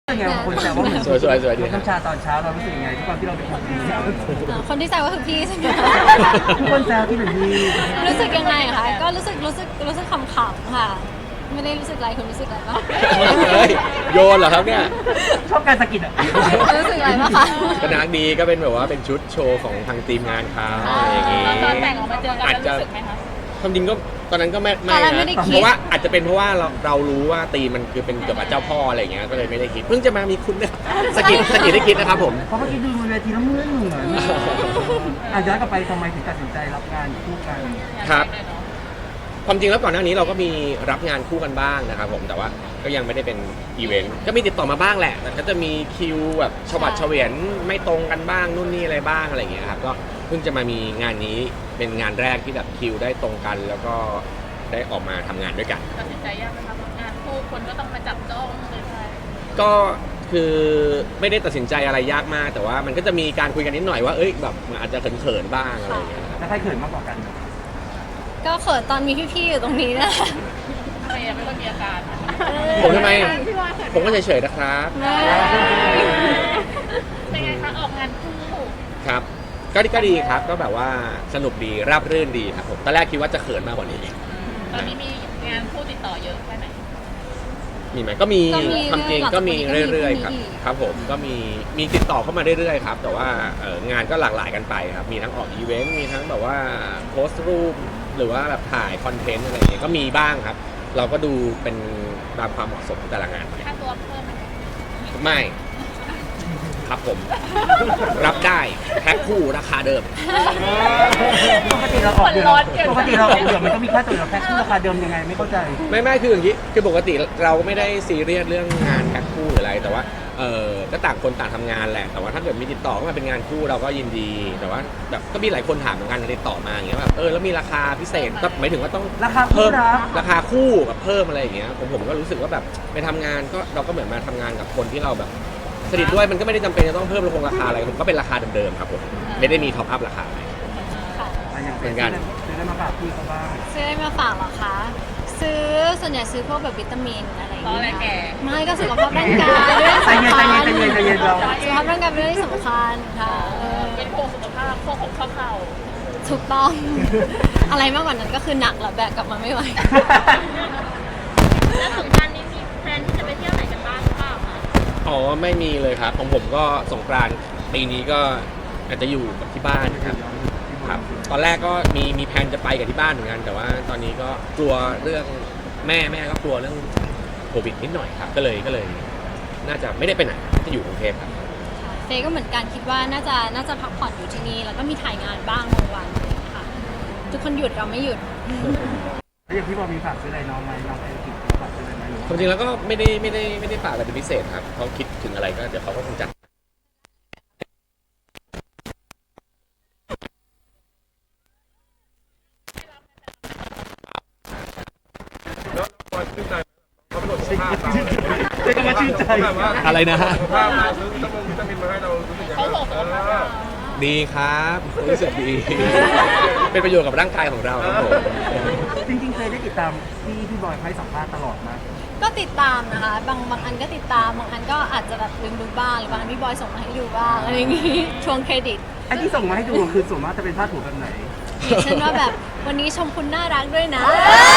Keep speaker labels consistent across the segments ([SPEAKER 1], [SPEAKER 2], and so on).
[SPEAKER 1] เป็นไงบางคนแซวว่าเหมือน
[SPEAKER 2] สวยดี
[SPEAKER 1] น้ำชาตอนเช้าเรารู้สึกยังไงทุกคนที่เราเป็นคนดี
[SPEAKER 3] คนที่แซวก็คือพี่ใช่ไหม
[SPEAKER 1] ทุกคนแซวที่เป็นดี
[SPEAKER 3] รู้สึกยังไงอะคะก็รู้สึกขำๆค่ะ ไม่ได้รู้สึกอะไรคุณรู้สึกอะไรบ้าง
[SPEAKER 2] เฮ้ยโยนเหรอครับเนี่ย
[SPEAKER 1] ชอบการสะกิดอ่ะ
[SPEAKER 3] รู้สึกอะไรบ้างคะ
[SPEAKER 2] ก็นักดีก็เป็นแบบว่าเป็นชุดโชว์ของทางทีมงานเขาอะไรอย่างงี้
[SPEAKER 4] ตอนแต่งออกมาเจอกันแล้วรู้สึกไหมคะ
[SPEAKER 2] ความจริงก็ตอนนั้นก็ไม่
[SPEAKER 3] ตอนแรก
[SPEAKER 2] นะ
[SPEAKER 3] ไม่ได้คิด
[SPEAKER 2] เพราะว่าอาจจะเป็นเพราะว่าเรารู้ว่าตีมมันคือเป็นเกี่ยวกับเจ้าพ่ออะไรอย่างเงี้ยก็เลยไม่ได้คิดเพิ่งจะมามีคุณเนี่ยสะกิดได้คิดนะครับผม
[SPEAKER 1] เพราะเมื่อกี้ดูบนเวทีแล้วเหมือนย้อนกลับไปทำไมถึงตัดสินใจรับงานคู่กัน
[SPEAKER 2] ครับ ความจริงแล้วก่อนหน้านี้เราก็มีรับงานคู่กันบ้างนะครับผมแต่ว่าก็ยังไม่ได้เป็นอีเวนต์ก็มีติดต่อมาบ้างแหละแต่ก็จะมีคิวแบบฉบับเฉวียนไม่ตรงกันบ้างนู่นนี่อะไรบ้างอะไรอย่างเงี้ยครับก็เพิ่งจะมามีงานนี้เป็นงานแรกที่แบบคิวได้ตรงกันแล้วก็ได้ออกมาทำงานด้วยกัน
[SPEAKER 4] ตัดสินใจยากไหมคะงานคู่คนก็ต้องมาจับจ้องเลยใช่
[SPEAKER 2] ก็คือไม่ได้ตัดสินใจอะไรยากมาก แต่ว่ามันก็จะมีการคุยกันนิดหน่อยว่าเอ้ยแบบมันอาจจะเขินๆบ้างอะไรอย่างเงี้ยครับ
[SPEAKER 1] แล้วใครเขินมากกว่ากัน
[SPEAKER 3] ก็เขินตอนมีพี่ๆอยู่ตรงนี้นะ
[SPEAKER 4] เมย์ไม่ค่อยมีอาการ
[SPEAKER 2] ผมทำไมผมก็เฉยๆนะครับ
[SPEAKER 4] เป็นไงคะออกงานคู่
[SPEAKER 2] ครับก็ดีครับก็แบบว่าสนุกดีราบรื่นดีครับผมตอนแรกคิดว่าจะเขินมากกว่านี้
[SPEAKER 4] ตอนนี้มีงานคู่ติดต่อเยอะแค่ไหน
[SPEAKER 2] มีไหมก็มี
[SPEAKER 3] ก็มี
[SPEAKER 2] ความจริงก็มีเรื่อยๆครับ
[SPEAKER 3] ก็มี
[SPEAKER 2] ครับผมก็มีติดต่อเข้ามาเรื่อยๆครับแต่ว่างานก็หลากหลายกันไปครับมีทั้งออกอีเวนต์มีทั้งแบบว่าโพสต์รูปหรือว่าแบบถ่ายคอนเทนต์อะไรอย่างเงี้ยก็มีบ้างครับ เราก็ดูเป็นตามความเหมาะสมของแต่ละงานไป
[SPEAKER 4] ค่าตัวเพิ่มไหม
[SPEAKER 2] ไม่ครับผม รับได้แพ็คคู่ราคาเดิม
[SPEAKER 1] ปกติเราออกเดือนมันก็มีค่าตัวเราแพ็คคู่ราคาเดิมยังไงไม่เข้าใจ
[SPEAKER 2] ไม่คืออย่างนี้คือปกติเราไม่ได้ซีเรียสเรื่องงานแพ็คคู่หรืออะไรแต่ว่าก็ต่างคนต่างทำงานแหละแต่ว่าถ้าเกิดมีติดต่อเข้ามาเป็นงานคู่เราก็ยินดีแต่ว่าแบบก็มีหลายคนถามเหมือนกันติดต่อมาอย่างเงี้ยแบบแล้วมีราคาพิเศษก็หมายถึงว่าต้อง
[SPEAKER 1] ราคาคู่
[SPEAKER 2] เพิ่ม
[SPEAKER 1] นะ
[SPEAKER 2] ราคาคู่แบบเพิ่มอะไรอย่างเงี้ยผมก็รู้สึกว่าแบบไปทำงานก็เราก็เหมือนมาทำงานกับคนที่เราแบบสนิทด้วยมันก็ไม่ได้จำเป็นจะต้องเพิ่มราคาอะไรผมก็เป็นราคาเดิมๆครับผมไม่ได้มีท็อปอัพราคาอะไร
[SPEAKER 3] ค่ะ
[SPEAKER 1] อย่างเป็นซื้อได้มาฝากพี่เขาบ้าง
[SPEAKER 3] ซื้ออะไรมาฝากเหรอคะซื้อส่วนใหญ่ซื้อพวกแบบวิตามินอะไรอย่าง
[SPEAKER 4] ตอนแร
[SPEAKER 3] เงี้
[SPEAKER 4] กแก่
[SPEAKER 3] ยไม่ก็สุขภาพร่างกายเรื่อง
[SPEAKER 1] ใจ
[SPEAKER 3] สำ
[SPEAKER 1] เย็น
[SPEAKER 3] คัญ
[SPEAKER 1] ใจเย็นเรา
[SPEAKER 3] สุขภาพร่างกายเป็นเรื่องที่สำคัญค่ะ
[SPEAKER 4] เป็นพวกสุขภาพพวกของข้าวเข่า
[SPEAKER 3] ถูกต้อง อะไรมากกว่านั้นก็คือหนักแล้วแบกกลับมาไม่ไหว
[SPEAKER 4] แล้วสงกรานต์นี้มีแพลนที่จะไปเที่ยวไหนกันบ้างหรือเปล่าคะ
[SPEAKER 2] อ๋อไม่มีเลยครับของผมก็สงกรานต์ปีนี้ก็อาจจะอยู่กับที่บ้านครับครับตอนแรกก็มีแผนจะไปกับที่บ้านเหมือนกันแต่ว่าตอนนี้ก็กลัวเรื่องแม่ก็กลัวเรื่องโควิดนิดหน่อยครับก็เลยน่าจะไม่ได้ไปไหนจะอยู่กรุงเทพครับ
[SPEAKER 3] เฟย์ก็เหมือนกันคิดว่าน่าจะพักผ่อนอยู่ที่นี่แล้วก็มีถ่ายงานบ้างบางวันอะไรอย่างเงี้ยค่ะทุกคนหยุดเราไม่หยุด
[SPEAKER 1] แล้วอย่างพี่บอลมีฝากซื้ออะไรน้องไหมน้องไปกินฝากซื้ออะไรไหม
[SPEAKER 2] ความจริงแล้วก็ไม่ได้ฝากอะไรเป็นพิเศษครับเขาคิดถึงอะไรก็เดี๋ยวเขาก็คงจัด
[SPEAKER 1] ก็มาชื่นใจ
[SPEAKER 2] อะไรนะฮะ
[SPEAKER 4] เขาส่งสุขภาพ
[SPEAKER 2] ดีครับรู้สึกดี เป็นประโยชน์กับร่างกายของเราครับผม
[SPEAKER 1] จริงๆเคยได้ติดตามพี่บอยให้สัมภาษณ์ตลอดนะ
[SPEAKER 3] ก็ติดตามนะคะบางอันก็ติดตามบางอันก็อาจจะแบบลืมดูบ้างหรือบางอันพี่บอยส่งมาให้ดูบ้างอะไรอย่างงี้ ช่วงเครดิต
[SPEAKER 1] ไอ้ที่ส่งมาให้ดูคือส่วนมากจะเป็นผ้าถูแบบไหน
[SPEAKER 3] อย่างเช่นว่าแบบวันนี้ชมคุณน่ารักด้วยนะ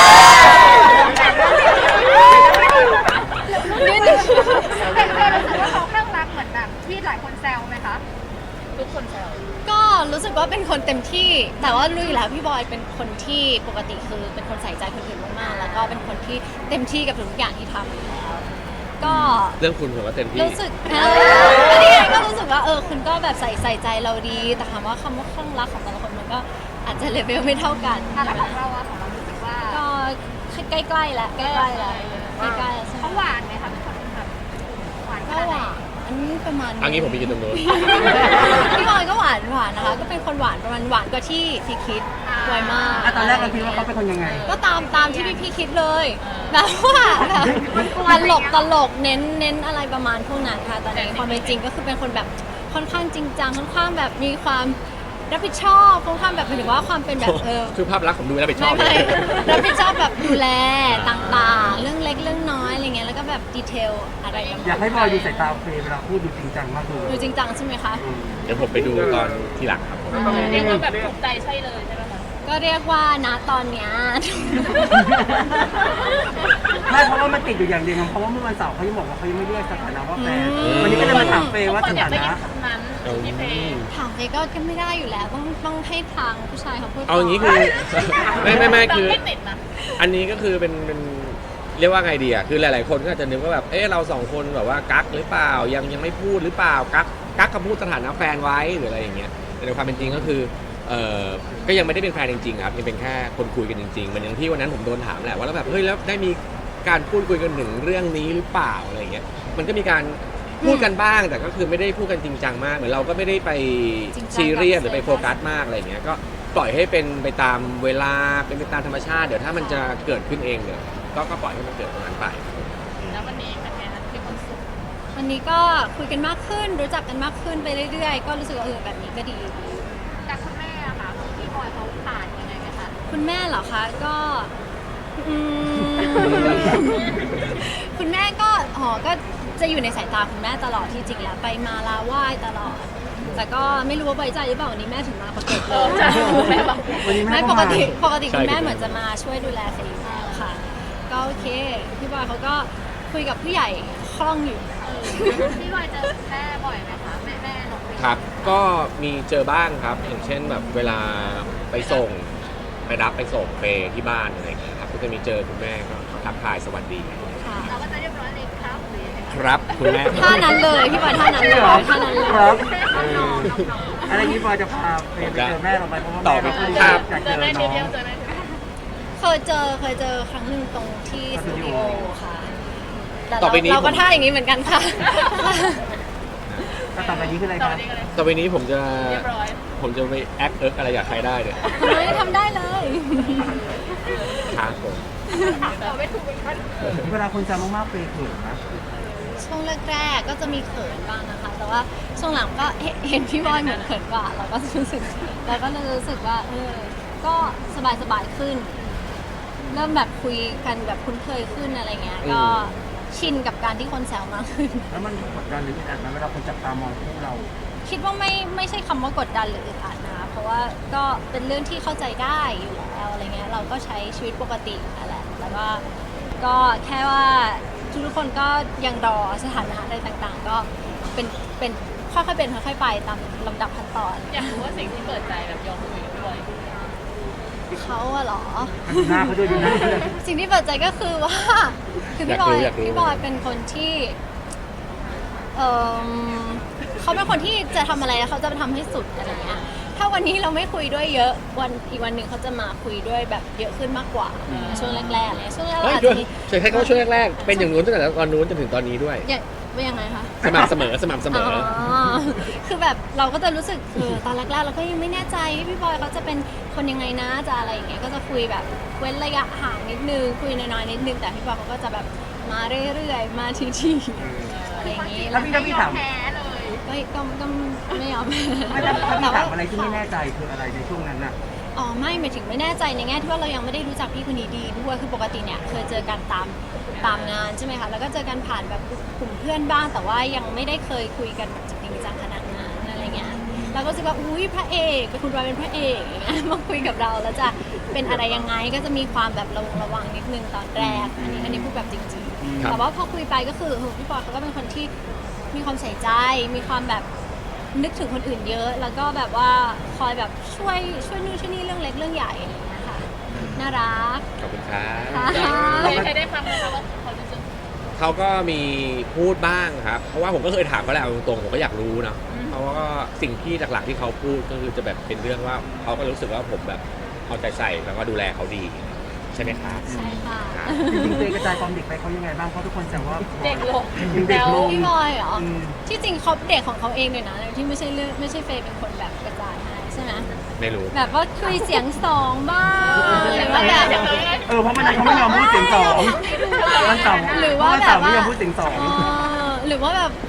[SPEAKER 3] นิดนึง
[SPEAKER 5] แต่เคยรู้สึกว่าเขาข้างรักเหมือนแบบที่หลายคนแซวไหมคะ
[SPEAKER 4] ทุกคนแซว
[SPEAKER 3] ก็รู้สึกว่าเป็นคนเต็มที่ แต่ว่ารู้อยู่แล้วพี่บอยเป็นคนที่ปกติคือเป็นคนใส่ใจคนอื่นมากๆแล้วก็เป็นคนที่เต็มที่กับทุกอย่างที่ทำอยู่แล้วก็
[SPEAKER 2] เรื่องคุณผมว่าเต็มที่
[SPEAKER 3] รู้สึกก็นี่ไงก็รู้สึกว่าคุณก็แบบใส่ใจเราดี แต่ถามว่าคำว่าข้างรักของแต่ละคนมันก็อาจจะเลเวลไม่เท่ากัน
[SPEAKER 5] แล้วของเราอะของเรารู้สึกว่า
[SPEAKER 3] ก็ใกล้ๆแล้วใกล้ๆแล้วใกล้ๆแล้วใช่ไหม
[SPEAKER 5] เขาหวานไหมคะเป็นคนแบบหวานข
[SPEAKER 3] ก็
[SPEAKER 5] นาด
[SPEAKER 3] ห
[SPEAKER 5] ไหน
[SPEAKER 3] วานอันนี้ประมาณ
[SPEAKER 2] อันนี้ผมไปยืนตรงนู้น
[SPEAKER 3] พี่บอยก็หวานนะคะ ก็เป็นคนหวานประมาณหวานกว่าที่คิดไวมาก
[SPEAKER 1] ตอนแรกเราคิดว่าเขาเป็นคนยังไง
[SPEAKER 3] ก็ตามที่พี่คิดเลยแบบว่าแบบตลกเน้นอะไรประมาณพวกนั้นค่ะแต่ในความเป็นจริงก็คือเป็นคนแบบค่อนข้างจริงจังค่อนข้างแบบมีความรับผิดชอบค่อนข้างแบบหมายถึงว่าความเป็นแบบ
[SPEAKER 2] คือภาพลักษณ์ผมดูแล้วไปชอบ
[SPEAKER 3] ไม่
[SPEAKER 2] เลย
[SPEAKER 3] รับผิดชอบแบบดูแลต่างๆ เรื่องเล็กเรื่องน้อยอะไรเงี้ยแล้วก็แบบดีเทลอะไรแบบ
[SPEAKER 1] อยากให้บอยดูสายตาเฟย์เวลาพูดดูจริงจังมากเลย
[SPEAKER 3] ดูจริงจังใช่ไหมคะ
[SPEAKER 2] เดี๋ยวผมไปดูตอนทีหลังครับผม
[SPEAKER 4] เรียกว่าแบบถูกใจใช่เลยใช่ไหมคะ
[SPEAKER 3] ก็เรียกว่านะตอนเนี้ย
[SPEAKER 1] ไม่เพราะว่ามันติดอยู่อย่างเดียวเพราะว่าเมื่อวันเสาร์เขายังบอกว่าเขายังไม่เรียกสถานะว่าแฟนวันนี้ก็เลยมาถามเฟย์ว่า
[SPEAKER 4] ทุกคนอยา
[SPEAKER 1] สถาก
[SPEAKER 4] ได้
[SPEAKER 1] นะ
[SPEAKER 4] ยินคำนั้นที่เพลง
[SPEAKER 3] ถามไปก็ไม่ได้อยู่แล้วต้องให้ทางผู้ชายเขาพูด
[SPEAKER 2] เอาอย่างนี้คือ ไม่คือ
[SPEAKER 4] ไม่ติดนะ
[SPEAKER 2] อันนี้ก็คือเป็นเรียกว่าไงดีอ่ะคือหลายๆคนก็อาจจะนึกว่าแบบเราสองคนแบบว่ากักหรือเปล่ายังไม่พูดหรือเปล่ากักคำพูดสถานะแฟนไว้หรืออะไรอย่างเงี้ยแต่ในความเป็นจริงก็คือก็ยังไม่ได้เป็นแฟนจริงๆครับยังเป็นแค่คนคุยกันจริงๆมันอย่างที่วันนั้นผมโดนถามแหละว่าแล้วแบบเฮ้ยแล้วได้มีการพูดคุยกันถึงเรื่องนี้หรือเปล่าอะไรอย่างเงี้ยมันก็มีการพูดกันบ้างแต่ก็คือไม่ได้พูดกันจริงจังมากเหมือนเราก็ไม่ได้ไปซีเรียสหรือไปโฟกัสมากอะไรอย่างเงี้ยก็ปล่อยให้เป็นไปตามเวลาเป็นไปตามธรรมชาติเดี๋ยวถ้ามันจะเกิดขึ้นเองเดี๋ยวก็ปล่อยให้มันเกิดตรงนั้นไป
[SPEAKER 4] แล้ววันนี้เป็นไงคะมีความสุข
[SPEAKER 3] วันนี้ก็คุยกันมากขึ้นรู้จักกันมากขึ้นไปเรื่อยๆก็รู้สึกว่าแบบนี้ก็ดี
[SPEAKER 5] แต่คุณแม่อะค่ะพี่บอยเขาผ่านยังไงไหมคะ
[SPEAKER 3] คุณแม่เหรอคะก็อืม คุณแม่ก็ก็จะอยู่ในสายตาคุณแม่ตลอดที่จริงแล้วไปมาลาไหว้ตลอด แต่ก็ไม่รู้ว่าไว้ใจหรือเปล่าวันนี้แม่ถึงมาปรากฏเลย
[SPEAKER 4] แม่บอก
[SPEAKER 1] วันนี้แม่
[SPEAKER 3] ไม่
[SPEAKER 1] ก็
[SPEAKER 3] ปก
[SPEAKER 1] มา
[SPEAKER 3] ติคุณแม่เหมือนจะมาช่วยดูแลเฟย์อยู่แล้วค่ะ ก็โอเคพี่บอยเขาก็คุยกับผู้ใหญ่คล่องอยู่
[SPEAKER 5] พี่บอยเจอแม่บ่อยไหมคะแม่น้องเฟย์
[SPEAKER 2] ครับก็มีเจอบ้างครับอย่างเช่นแบบเวลาไปส่งไปรับไปส่งเปที่บ้านอะไรอย่างเงี้ยครับก็จะมีเจอคุณแม่ก็ทักทายสวัสดี
[SPEAKER 3] ค่ะ
[SPEAKER 5] เราก็จะเรียบร้อยเลยครับหรือยังไง
[SPEAKER 2] ครับคุณแม่
[SPEAKER 3] ท่านั้นเลยพี่บอยท่านั้นเลยท่านั้นเลย
[SPEAKER 1] ครับอะไรนี้บอยจะพาเฟย์ไปเจอแม่เราไหมเพราะว่าแม่เราก็อยากเจ
[SPEAKER 4] เจอ
[SPEAKER 1] อ
[SPEAKER 4] ได้
[SPEAKER 1] น้
[SPEAKER 4] นิ
[SPEAKER 1] อ
[SPEAKER 4] ด
[SPEAKER 1] ง
[SPEAKER 4] เดียวเจอได้นิดเดียว
[SPEAKER 3] เคยเจอครั้งหนึ่งตรงที่สตูดิโอค่ะแต่
[SPEAKER 2] ต่อไปนี้
[SPEAKER 3] เราก็ท่าอย่างนี้เหมือนกันค่ะ
[SPEAKER 1] ต่อไปนี้คืออะไร
[SPEAKER 4] ต่อ
[SPEAKER 1] ครับ
[SPEAKER 4] ไปนี้ก็เลย
[SPEAKER 2] ต่อไปนี้ผมจะ
[SPEAKER 4] เรียบร้อย
[SPEAKER 2] ไปแอคอะไรอยากใครได้เนี่ย
[SPEAKER 3] ทำได้เลย
[SPEAKER 2] ครับผม
[SPEAKER 4] ต่อไม่ถูกเหมือนกัน
[SPEAKER 1] เวลาคนจำมากๆเฟย์เขินนะ
[SPEAKER 3] ช่วงแรกๆก็จะมีเขินบ้างนะคะ แต่ว่าช่วงหลังก็เห็นพี่บอยเหมือนเขินกว่าเราก็รู้สึกว่าก็สบายขึ้น เริ่มแบบคุยกันแบบคุ้นเคยขึ้นอะไรเงี้ยก็ชินกับการที่คนแซวมากขึ้น
[SPEAKER 1] แล้วมันกดดันหรืออึดอัดไหมเวลาคนจับตามองคู่เรา
[SPEAKER 3] คิดว่าไม่ใช่คำว่ากดดันหรืออึดอัดนะคะเพราะว่าก็เป็นเรื่องที่เข้าใจได้อยู่แล้วอะไรเงี้ยเราก็ใช้ชีวิตปกตินั่นแหละแล้วก็แค่ว่าทุกคนก็ยังรอสถานะอะไรต่างๆ ก็เป็นค่อยๆเป็นค่อยๆไปตามลำดับขั้นตอน
[SPEAKER 4] อยากรู้ว่าสิ่งที่เปิดใจแบบยอมคุยกับพี่บอย
[SPEAKER 3] เขาอะเหรอ
[SPEAKER 1] ดูหน้าเขาด้วยดูหน้าเขาด้วย
[SPEAKER 3] สิ่งที่เปิดใจก็คือว่า คือพี่บอยเป็นคนที่เขาเป็นคนที่จะทำอะไรแล้วเขาจะทำให้สุดอะไรเงี้ยถ้าวันนี้เราไม่คุยด้วยเยอะอีกวันหนึ่งเขาจะมาคุยด้วยแบบเยอะขึ้นมากกว่าช่วงแรกๆเลยช่วงแรกๆ
[SPEAKER 2] เฮ้ย
[SPEAKER 3] อาจ
[SPEAKER 2] ด้ว
[SPEAKER 3] จะ
[SPEAKER 2] ย
[SPEAKER 3] มี
[SPEAKER 2] ใช่แค่เขาช่วงแรกๆเป็นอย่างนู้นตั้งแต่ตอนนู้นจนถึงตอนนี้ด้วย
[SPEAKER 3] อย่างว่ายังไงคะ
[SPEAKER 2] สม่ำเสมอ
[SPEAKER 3] คือแบบเราก็จะรู้สึกตอนแรกๆเราก็ยังไม่แน่ใจพี่บอยเขาจะเป็นคนยังไงนะจะอะไรอย่างเงี้ยก็จะคุยแบบเว้นระยะห่างนิดนึงคุยน้อยๆนิดนึงแต่พี่บอยเขาก็จะแบบมาเรื่อยๆมาทีๆอะไรอย่างงี้
[SPEAKER 1] แล้วพี่ถาม
[SPEAKER 5] แพ้เลย
[SPEAKER 3] ก็ไม่ยอม
[SPEAKER 1] ไม่แต่ถ้าพี่ถามอะไรที่ไม่แน่ใจคืออะไรในช่วงนั้นน่ะ
[SPEAKER 3] อ๋อไม่หมายถึงไม่แน่ใจในแง่ที่ว่าเรายังไม่ได้รู้จักพี่คนนี้ดีด้วยคือปกติเนี่ยเคยเจอกันตามงานใช่ไหมคะแล้วก็เจอกันผ่านแบบกลุ่มเพื่อนบ้างแต่ว่ายังไม่ได้เคยคุยกันแบบจริงจังขนาดนั้นอะไรเงี้ยเราก็รู้สึกว่าอุ้ยพระเอกเป็นคุณบอยเป็นพระเอกอย่างเงี้ยมาคุยกับเราแล้วจะเป็นอะไรยังไงก็จะมีความแบบระวังนิดนึงตอนแรกอันนี้พูดแบบจริงๆ
[SPEAKER 2] ครับ
[SPEAKER 3] แต่ว่าพอคุยไปก็คือพี่บอยเขาก็เป็นคนที่มีความใส่ใจมีความแบบนึกถึงคนอื่นเยอะ แล้วก็แบบว่าคอยแบบช่วยนู่นช่วยนี่เรื่องเล็กเรื่องใหญ่อะไรอย่างเงี้ยค่ะน่ารัก
[SPEAKER 2] ขอบคุณครับ
[SPEAKER 3] ค่ะ
[SPEAKER 4] เคยได้ฟังไหมคะว่าเขารู้สึก
[SPEAKER 2] เขาก็มีพูดบ้างครับ เพราะว่าผมก็เคยถามเขาแหละเอาตรงๆผมก็อยากรู้นะเพราะว่าสิ่งที่หลักๆที่เขาพูดก็คือจะแบบเป็นเรื่องว่าเขาก็รู้สึกว่าผมแบบเอาใจใส่แล้วก็ดูแลเขาดีใช่ไหมครับ
[SPEAKER 3] ใช่ค่ะ
[SPEAKER 2] ครับ
[SPEAKER 1] จริงๆเฟย์กระจายความเด็กไปเขายังไงบ้างเพราะทุกคนแซวว่า
[SPEAKER 4] เด็กลง
[SPEAKER 1] ยังเด็กลง
[SPEAKER 3] พี่บอยเหรอ
[SPEAKER 1] อืม
[SPEAKER 3] ที่จริงเขาเด็กของเขาเองเลยนะที่ไม่ใช่เฟย์เป็นคนแบบกระจายให้ใช่ไหม
[SPEAKER 2] ไม่รู้
[SPEAKER 3] แบบว่าคุยเสียงสองบ้างหรือว่าแบบ
[SPEAKER 1] เพราะมันเขาไม่ยอมพูดเสียงสองวันเสาร์
[SPEAKER 3] หรือว่า
[SPEAKER 1] วัน
[SPEAKER 3] แบ
[SPEAKER 1] เสา
[SPEAKER 3] บ
[SPEAKER 1] ร์ไม่
[SPEAKER 3] ว่าย
[SPEAKER 1] อมพูดเสียงสอง
[SPEAKER 3] หรือว่าแบบ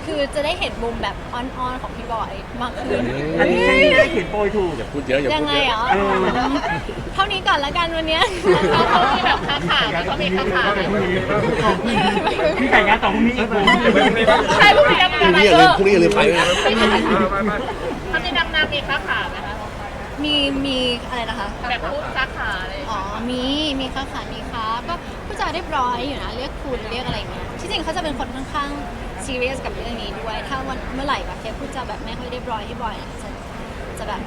[SPEAKER 3] คือจะได้เห็นมุมแบบอ่อนๆของพี่บอยมากขึ้น
[SPEAKER 1] อันนี้ใช่ที่ได้เขียนโปรยถูก
[SPEAKER 2] อย่าพูดเยอะอย่า
[SPEAKER 3] ยั
[SPEAKER 2] พู
[SPEAKER 3] ง
[SPEAKER 2] ด
[SPEAKER 3] ไง
[SPEAKER 2] เย
[SPEAKER 3] เหร
[SPEAKER 2] อะ
[SPEAKER 3] อเท่านี้ก่อนละกันวันเนี้ย
[SPEAKER 4] เขามีแบบค้าขายไหมเขามีค้าขายไหม
[SPEAKER 1] พี่ไก่งานต่อพรุ่งนี้อีกผม
[SPEAKER 4] ใช่พวกนี้ยัง
[SPEAKER 2] พรุ่งนี้อย่าลืมไปด้วยนะ
[SPEAKER 4] เขามีดำน้ำมีค้าขายไหมคะ
[SPEAKER 3] มีอะไรนะคะ
[SPEAKER 4] แบบพูดค้าขายอะไร
[SPEAKER 3] อ๋อ มีค้าขายมีค้าก็ผู้จาเรียบร้อยอยู่นะ เรียกคุณเรียกอะไรอย่างเงี้ย ที่จริงเขาจะเป็นคนค่อนข้างซีเรียสกับเรื่องนี้ด้วย ถ้าวันเมื่อไหร่แบบเคพูดจาแบบไม่ค่อยเรียบร้อยให้บ่อยอะจะแบบ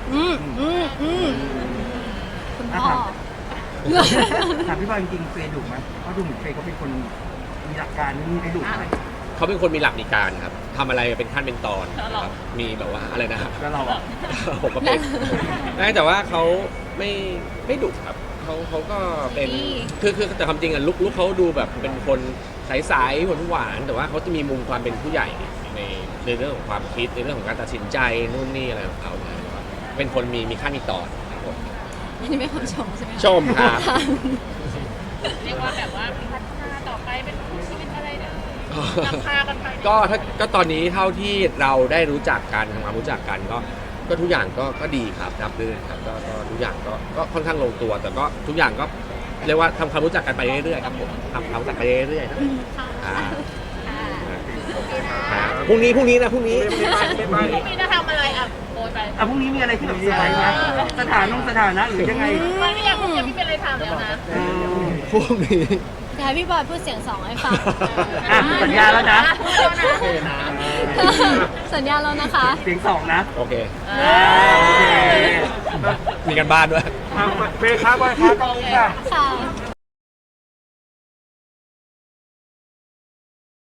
[SPEAKER 3] คุณพ่อ
[SPEAKER 1] ถามพี่บอยจริงๆเฟย์ดุไหมเพราะดูเหมือนเฟย์เขาเป็นคนมีหลักการนี่ไอ้ดุไหม
[SPEAKER 2] เขาเป็นคนมีหลักมีการครับทำอะไรเป็นขั้นเป็นตอนครับมีแบบว่าอะไรนะครับ
[SPEAKER 1] แล้วเราอ่ะ
[SPEAKER 2] ผมก็เป็นแต่ว่าเขาไม่ดุครับเขาก็เป็น
[SPEAKER 3] ดี
[SPEAKER 2] คือแต่ความจริงอะลุกเขาดูแบบเป็นคนใสๆหวานๆแต่ว่าเขาจะมีมุมความเป็นผู้ใหญ่ในเรื่องของความคิดในเรื่องของการตัดสินใจนู่นนี่อะไรของเขาเนี่ยเป็นคนมีขั้นมีตอนครับผม
[SPEAKER 3] อันนี้ไม่คำชมใช่ไหมคะ
[SPEAKER 2] ชมครับ
[SPEAKER 4] เรียกว่าแบบว่าพัฒนาต่อไปเป็นคู่ชีวิตอะไรนะนำพากันไป
[SPEAKER 2] ก็ตอนนี้เท่าที่เราได้รู้จักกันทำความรู้จักกันก็ทุกอย่างก็ดีครับรับรื่นครับก็ทุกอย่างก็ค่อนข้างลงตัว แต่ก็ทุกอย่างก็เรียกว่าทำความรู้จักกันไปเรื่อยๆครับผมทำความรู้จักไปเรื่อยๆนะ
[SPEAKER 3] ค่ะ
[SPEAKER 2] พรุ่งนี้นะพรุ่งนี้
[SPEAKER 4] พรุ่งนี้จะทำอะไรอ่ะโอยไป
[SPEAKER 1] พรุ่งนี้มีอะไรที่แบบเซอร์ไพรส์ไหมสถานะหรือยังไง
[SPEAKER 4] ไม่อยากพูดจะไม่เป็นอะไรทำแล้วนะ
[SPEAKER 2] พรุ่งนี้
[SPEAKER 3] เดี๋ยวให้พี่บอยพูดเสียงสองให้ฟัง
[SPEAKER 1] อ่ะสัญญาแล้วนะ
[SPEAKER 3] สัญญาแล้วนะคะ
[SPEAKER 1] เสียงสองนะ
[SPEAKER 2] โอเค
[SPEAKER 1] โอเค
[SPEAKER 2] มีกันบ้านด้วย
[SPEAKER 1] เฟย์ครับบอยครับตรงนี้ค่ะ
[SPEAKER 3] ค่ะ